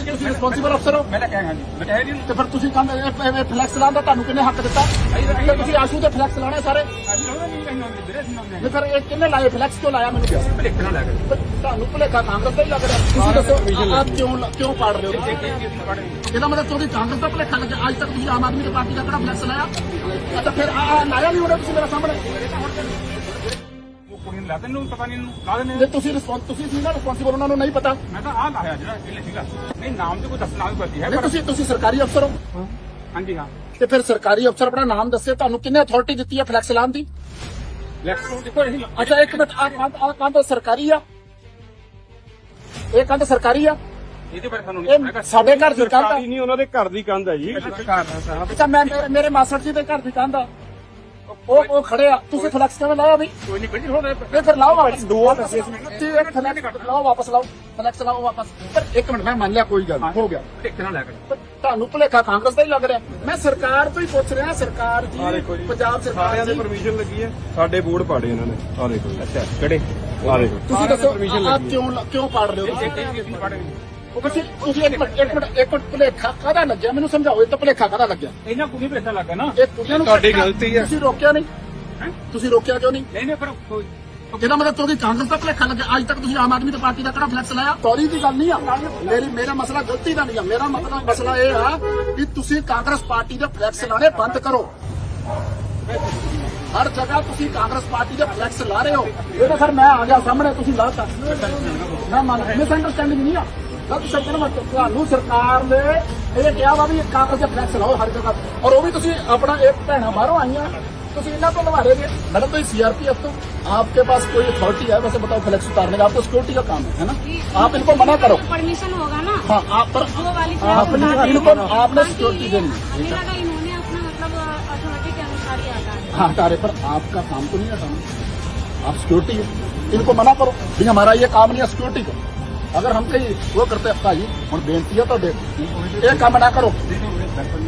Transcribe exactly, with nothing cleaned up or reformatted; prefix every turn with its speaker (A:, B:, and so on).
A: ਤੁਸੀਂ ਰਿਸਪੌਂਸਿਬਲ ਅਫਸਰ ਹੋ।
B: ਮੈਂ ਤਾਂ ਕਹਿ ਹਾਂ ਜੀ ਮੈਂ ਕਹਿ ਨਹੀਂ
A: ਤੇ ਫਿਰ ਤੁਸੀਂ ਕੰਮ ਫਲੈਕਸ ਲਾਉਣ ਦਾ ਤੁਹਾਨੂੰ ਕਿੰਨੇ ਹੱਕ ਦਿੱਤਾ? ਤੇ ਤੁਸੀਂ ਆਸ਼ੂ ਦੇ ਫਲੈਕਸ ਲਾਉਣੇ ਸਾਰੇ। ਨਹੀਂ ਫਿਰ ਇਹ ਕਿੰਨੇ ਲਾਏ ਫਲੈਕਸ ਕਿਉਂ ਲਾਇਆ ਮੈਨੂੰ ਦੱਸੋ?
B: ਭਲੇਖਾ ਨਾ ਲੱਗ
A: ਤੇ ਤੁਹਾਨੂੰ ਭੁਲੇਖਾ ਕਾਂਗਰਸ ਦਾ ਹੀ ਲੱਗ ਰਿਹਾ। ਤੁਸੀਂ ਦੱਸੋ ਆਪ ਕਿਉਂ ਕਿਉਂ ਪਾੜ ਰਹੇ ਹੋ? ਇਹਦਾ ਮਤਲਬ ਕਿਉਂਕਿ ਕਾਂਗਰਸ ਦਾ ਭੁਲੇਖਾ ਲੱਗਿਆ। ਅੱਜ ਤੱਕ ਤੁਸੀਂ ਆਮ ਆਦਮੀ ਦੀ ਪਾਰਟੀ ਦਾ ਕਿਹੜਾ ਫਲੈਕਸ ਲਾਇਆ? ਅੱਛਾ ਫਿਰ ਆ ਲਾਇਆ ਨਹੀਂ ਉਹਨੇ ਤੁਸੀਂ ਮੇਰੇ ਸਾਹਮਣੇ।
B: ਉਹ ਕੁੜੀ ਨੂੰ ਲਾ ਦੇ ਨੂੰ ਪਤਾ ਨਹੀਂ ਇਹਨੂੰ ਲਾ ਦੇਣੇ
A: ਜੇ ਤੁਸੀਂ ਰਿਸਪੌਂਸ ਤੁਸੀਂ ਸੀ ਨਾ ਰਿਸਪੌਂਸਿਬਲ ਉਹਨਾਂ ਨੂੰ ਨਹੀਂ ਪਤਾ।
B: ਮੈਂ ਤਾਂ ਆਹ ਲਾਇਆ ਜਿਹੜਾ ਇਹ ਸੀਗਾ ਨਹੀਂ ਨਾਮ ਤੇ ਕੋਈ ਦੱਸਣਾ ਵੀ ਪੜਦੀ ਹੈ
A: ਨਹੀਂ ਤੁਸੀਂ ਤੁਸੀਂ ਸਰਕਾਰੀ ਅਫਸਰ ਹੋ।
B: ਹਾਂਜੀ ਹਾਂ
A: ਤੇ ਫਿਰ ਸਰਕਾਰੀ ਅਫਸਰ ਆਪਣਾ ਨਾਮ ਦੱਸੇ ਤੁਹਾਨੂੰ ਕਿੰਨੇ ਅਥਾਰਟੀ ਦਿੱਤੀ ਹੈ ਫਲੈਕਸ ਲਾਉਣ ਦੀ?
B: ਲੈਕਸ ਨੂੰ ਦੇਖੋ ਇਹ
A: ਅੱਛਾ ਇੱਕ ਮਿੰਟ ਆ ਕੰਧ ਆ ਕੰਧ ਸਰਕਾਰੀ ਆ? ਇਹ ਕੰਧ ਸਰਕਾਰੀ ਆ?
B: ਇਹਦੇ ਬਾਰੇ ਸਾਨੂੰ
A: ਇਹ ਸਾਡੇ ਘਰ ਦੀ ਕੰਧ ਆ?
C: ਸਰਕਾਰੀ ਨਹੀਂ, ਉਹਨਾਂ ਦੇ ਘਰ ਦੀ ਕੰਧ ਹੈ ਜੀ।
A: ਅੱਛਾ ਮੈਂ ਮੇਰੇ- ਮੇਰੇ ਮਾਸੜ ਜੀ ਦੇ ਘਰ ਦੀ ਕੰਧ ਆ। ਉਹ ਉਹ ਖੜੇ ਆ ਤੁਸੀਂ ਫਲੈਕਸ ਕਿਵੇਂ ਲਾਇਆ ਬਈ?
B: ਕੋਈ ਨਹੀਂ ਬੜੀ ਹੋਣਾ
A: ਇਹ ਫਿਰ ਲਾਓ ਵਾਪਸ ਦੋ ਤੁਸੀਂ ਇੱਕ ਫਲੈਕਸ ਲਾਓ ਵਾਪਸ ਲਾਓ ਫਲੈਕਸ ਲਾਓ ਵਾਪਸ। ਪਰ ਇੱਕ ਮਿੰਟ ਮੈਂ ਮੰਨ ਲਿਆ ਕੋਈ ਗੱਲ ਹੋ ਗਿਆ।
B: ਭਲੇਖਾ ਨਾ ਲੱਗ
A: ਪਰ ਤੁਹਾਨੂੰ ਭੁਲੇਖਾ ਕਾਂਗਰਸ ਦਾ ਹੀ ਲੱਗ ਰਿਹਾ। ਮੈਂ ਸਰਕਾਰ ਤੋਂ ਹੀ ਪੁੱਛ ਰਿਹਾ। ਸਰਕਾਰ ਜੀ ਪੰਜਾਬ ਸਰਕਾਰ
C: ਸਾਰਿਆਂ ਦੀ
A: ਜੀ
C: ਪਰਮਿਸ਼ਨ ਲੱਗੀ ਹੈ, ਸਾਡੇ ਬੋਰਡ ਪਾੜੇ ਇਹਨਾਂ ਨੇ। ਆ ਦੇਖੋ ਜੀ।
B: ਅੱਛਾ ਕਿਹੜੇ
C: ਆ ਦੇਖੋ
A: ਤੁਸੀਂ ਦੱਸੋ ਆਪ ਕਿਉਂ ਕਿਉਂ ਪਾੜ ਰਹੇ ਹੋ? ਤੁਸੀਂ ਤੁਸੀਂ ਇੱਕ ਮਿੰਟ ਇੱਕ ਮਿੰਟ ਇੱਕ ਮਿੰਟ ਭੁਲੇਖਾ ਕਾਹਦਾ ਲੱਗਿਆ ਮੈਨੂੰ ਸਮਝਾਓ। ਇਹ ਤਾਂ ਭੁਲੇਖਾ ਕਾਹਦਾ ਲੱਗਿਆ?
B: ਇਹਨਾਂ ਕੁੜੀ ਭਲੇਖਾ ਲੱਗਾ ਨਾ
A: ਇਹ ਕੁੜੀਆਂ ਨੂੰ
C: ਤੁਹਾਡੀ ਗਲਤੀ ਹੈ।
A: ਤੁਸੀਂ ਰੋਕਿਆ ਨਹੀਂ? ਤੁਸੀਂ ਰੋਕਿਆ ਕਿਉਂ ਨਹੀਂ?
B: ਨਹੀਂ ਨਹੀਂ ਪਰ ਕੋਈ
A: ਇਹਦਾ ਮਤਲਬ ਕਿਉਂਕਿ ਕਾਂਗਰਸ ਦਾ ਭੁਲੇਖਾ ਲੱਗਿਆ। ਅੱਜ ਤੱਕ ਤੁਸੀਂ ਆਮ ਆਦਮੀ ਦੀ ਪਾਰਟੀ ਦਾ ਕਿਹੜਾ ਫਲੈਕਸ ਲਾਇਆ? ਸੌਰੀ ਦੀ ਗੱਲ ਨਹੀਂ ਆ ਮੇਰੀ। ਮੇਰਾ ਮਸਲਾ ਗਲਤੀ ਦਾ ਨਹੀਂ ਆ। ਮੇਰਾ ਮਤਲਬ ਮਸਲਾ ਇਹ ਆ ਕਿ ਤੁਸੀਂ ਕਾਂਗਰਸ ਪਾਰਟੀ ਦੇ ਫਲੈਕਸ ਲਾਣੇ ਬੰਦ ਕਰੋ। ਹਰ ਜਗ੍ਹਾ ਤੁਸੀਂ ਕਾਂਗਰਸ ਪਾਰਟੀ ਦੇ ਫਲੈਕਸ ਲਾ ਰਹੇ ਹੋ। ਇਹ ਤਾਂ ਸਰ ਮੈਂ ਆ ਗਿਆ ਸਾਹਮਣੇ ਤੁਸੀਂ ਲਾਤਾ। ਮੈਂ ਮੰਨ ਮਿਸ ਅੰਡਰਸਟੈਂਡਿੰਗ ਨਹੀਂ ਆ। ਗਲਤ ਸ਼ਬਦ ਨਾ ਵਰਤੋ। ਤੁਹਾਨੂੰ ਸਰਕਾਰ ਨੇ ਇਹ ਕਿਹਾ ਵਾ ਵੀ ਕਾਂਗਰਸ ਦੇ ਫਲੈਕਸ ਲਾਓ ਹਰ ਜਗ੍ਹਾ ਔਰ ਉਹ ਵੀ ਤੁਸੀਂ ਆਪਣਾ ਇੱਕ ਭੈਣਾਂ ਬਾਹਰੋਂ ਆਈਆਂ ਤੁਸੀਂ इतना तो लगा रहे हैं मैडम। तो सीआरपीएफ तो आपके पास कोई अथॉरिटी है वैसे बताओ फ्लैक्स उतारने का? आपको सिक्योरिटी का काम है है ना? आप इनको मना करो।
D: परमिशन होगा ना।
A: हाँ आप पर
D: वो वाली
A: आपने इनको आपने सिक्योरिटी देनी है।
D: हमें लगा इन्होंने अपना मतलब अथॉरिटी के अनुसार ही आता है।
A: हाँ हटा रहे पर आपका काम तो नहीं हटाना। आप सिक्योरिटी है इनको मना करो भाई हमारा ये काम नहीं है सिक्योरिटी का। अगर हम कहीं वो करते हैं भाई और बेनती है तो एक काम ना करो।